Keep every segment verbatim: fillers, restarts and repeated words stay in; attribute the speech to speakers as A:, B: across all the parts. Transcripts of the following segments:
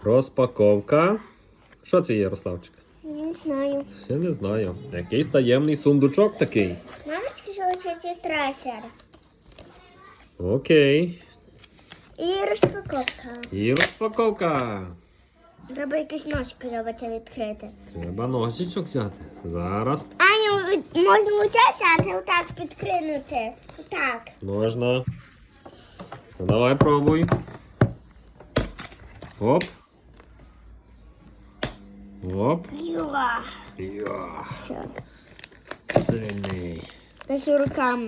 A: Розпаковка. Що це є, Ярославчик?
B: Я не знаю.
A: Я не знаю. Якийсь таємний сундучок такий.
B: Мама сказала, що це трасер.
A: Окей.
B: І розпаковка.
A: І розпаковка.
B: Треба якісь ножки робити відкрити.
A: Треба ножичок взяти. Зараз.
B: Аню, можна оце сяти, отак підкринути. Отак.
A: Можна. Ну, давай пробуй. Оп. Оп.
B: Юа.
A: Йо.
B: Все.
A: Сильний.
B: Наші руками.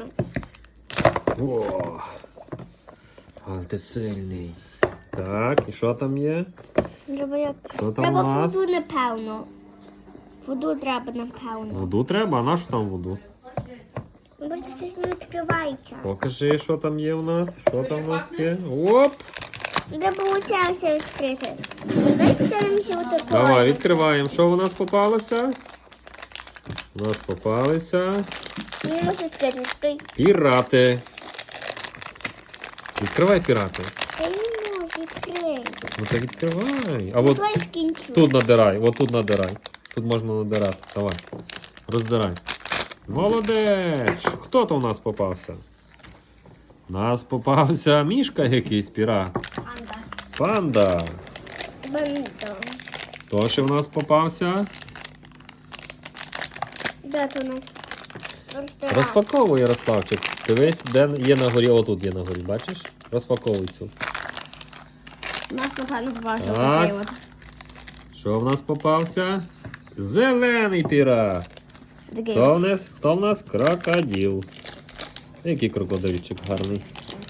A: О. Але ти сильний. Так, і що там є?
B: Треба як...
A: Що там
B: Треба
A: у нас?
B: воду, напевно. Воду треба, напевно.
A: Воду треба, а на що там воду?
B: Ну, бо щось не відкривається.
A: Покажи, що там є у нас. Що там у нас є? Оп!
B: Треба оце все відкрити. Давай подивимося отакої.
A: Давай, відкриваємо. Що у нас попалося? У нас попалися
B: Не можу відкрити. Стой.
A: пірати. Відкривай пірати.
B: Я не можу відкрити.
A: Ну так відкривай. А
B: Ну,
A: от
B: давай скінчу.
A: тут надирай, от тут надирай. Тут можна надирати. Давай. Роздирай. Молодець! Хто то у нас попався? У нас попався мішка якийсь пірат.
B: Панда.
A: Панда.
B: Бандо.
A: Хто ще в нас попався?
B: Де то у нас? Ресторан.
A: Розпаковуй, Ярославчик. Дивись, де є на горі. Отут є на горі, бачиш? Розпаковуй цю.
B: У нас напевно попався
A: Так.
B: такий от.
A: Що в нас попався? Зелений пірат.
B: Такий.
A: Хто в нас? Хто в нас? Крокодил. Який крокодильчик гарний.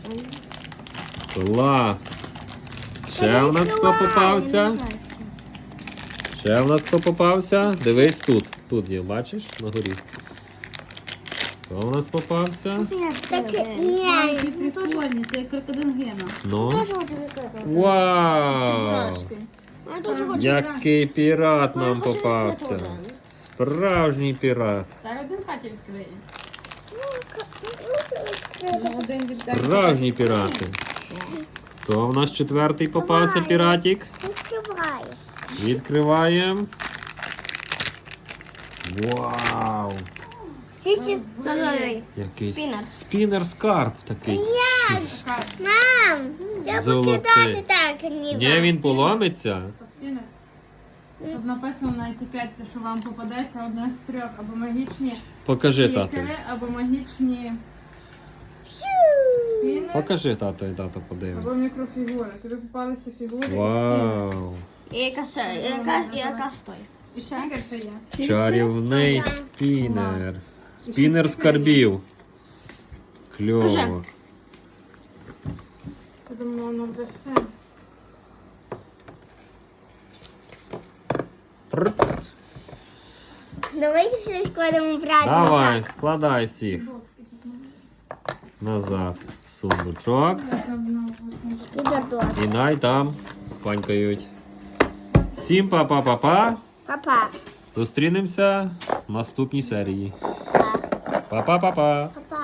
A: Клас. Ще в нас хто попався? Ще в нас хто попався? Дивись тут. Тут є, бачиш? На горі. Хто в нас попався?
B: Так, ні.
C: Які прикольні, це як крокодил Гена.
A: Ну.
B: Теж хочу відкрити.
A: Вау!
C: Чебурашки.
B: Я теж хочу.
A: Який пірат нам
B: Я хочу
A: попався.
B: відкрити один.
A: Справжній пірат.
C: Та один Катя відкриє.
B: Ну, ка- ну, хочу відкрити.
C: Ну, один відкриє.
A: Справжні пірати. Хто в нас четвертий попався
B: Давай.
A: піратик?
B: Відкривай.
A: Відкриваємо. Вау!
B: Сісі. Золотий.
A: Якийсь
B: Спінер.
A: спінер скарб такий.
B: Мам, це
A: Золотий.
B: покидати так, ніби.
A: Ні, він поломиться.
C: Спінер. Тут написано на етикетці, що вам попадеться одне з трьох або магічні
A: Покажи тату.
C: стікери, або магічні спінери,
A: Покажи тату і тато
C: або
A: подивиться.
C: мікрофігури. Тобі попалися фігури і спінер.
A: Вау!
B: І яка се- яка, яка стоїть?
C: І стікер ще є.
A: Чарівний спінер. Спінер скарбів. Кльово.
C: Я думаю, воно буде з цим.
A: Прррт.
B: Давайте все складемо в раді.
A: Давай, складай всіх. Назад. в Сундучок.
B: Підордос.
A: І най там спанькають. Всім па-па-па-па.
B: Папа.
A: Зустрінемося в наступній серії.
B: Па.
A: Па-па-па-па.
B: Папа.